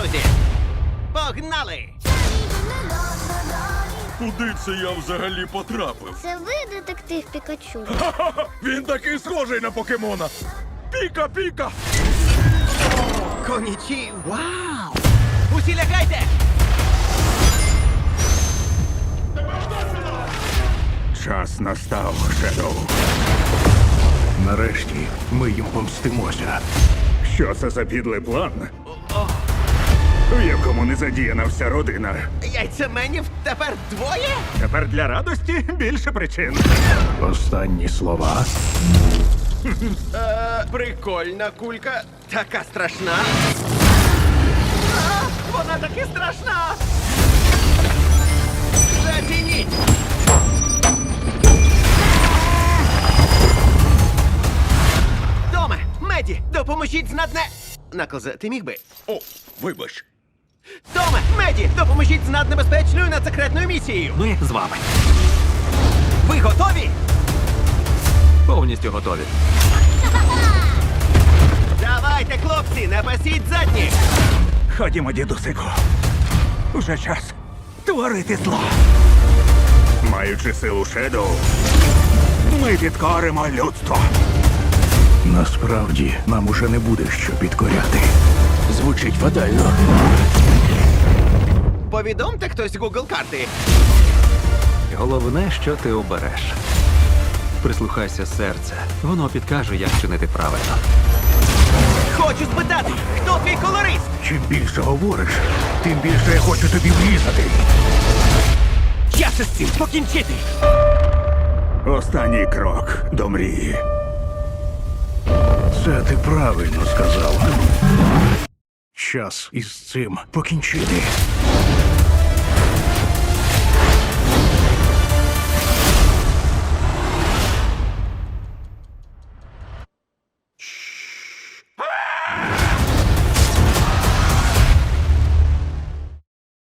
друзі! Погнали! Куди це я взагалі потрапив? Це ви, детектив Пікачу? Ха-ха-ха! Він такий схожий на покемона! Піка-піка! Конічі! Вау! Усі лягайте! Час настав, Шедоу. Нарешті ми їм помстимося. Що це за підлий план? У якому не задіяна вся родина. Яйцеменів тепер двоє? Тепер для радості більше причин. Останні слова. Прикольна кулька. Така страшна. Вона таки страшна! Затяніть! Томе, Меді, допоможіть знатне... Наклзе, ти міг би? О, вибач. Томе, Меді, допоможіть з наднебезпечною надсекретною місією. Ми з вами. Ви готові? Повністю готові. Давайте, хлопці, не пасіть задні! Ходімо, дідусику. Уже час творити зло. Маючи силу Шедоу, ми підкоримо людство. Насправді, нам уже не буде що підкоряти. Звучить фатально. Повідомте хтось Google карти. Головне, що ти обереш. Прислухайся серце. Воно підкаже, як чинити правильно. Хочу спитати, хто твій колорист? Чим більше говориш, тим більше я хочу тобі врізати. Час із цим покінчити! Останній крок до мрії. Це ти правильно сказав. Час із цим покінчити.